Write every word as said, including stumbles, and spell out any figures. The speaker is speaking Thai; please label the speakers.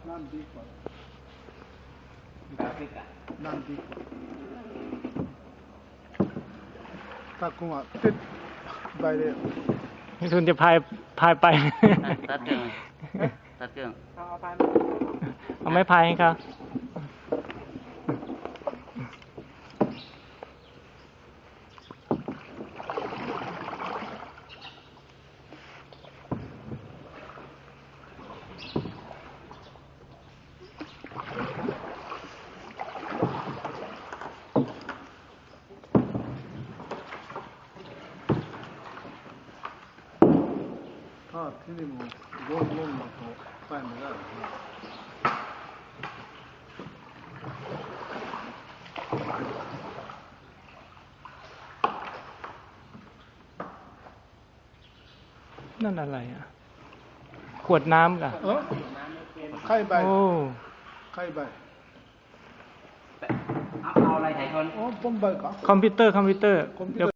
Speaker 1: นั่นดีกว่านั่นดีกว่าถ้ากูอ่ะติดใบเดียว
Speaker 2: นี่คุณจะพายพายไป
Speaker 3: ตัดเครื่องตัดเครื่อง
Speaker 2: เอาไม่พายให้เขา
Speaker 1: ถ้าที่นี่มันโดนลงมาเขาไปไม่ได้
Speaker 2: นั่นอะไรอ่ะขวดน้ำกะ
Speaker 1: เออไข่ใบ
Speaker 2: โอ้
Speaker 1: ไข่ใบ
Speaker 3: เอาอะไรถ่ายชน
Speaker 1: อ๋อผมใบก็
Speaker 2: คอมพิวเตอร์คอมพิวเตอร์เดี๋ยว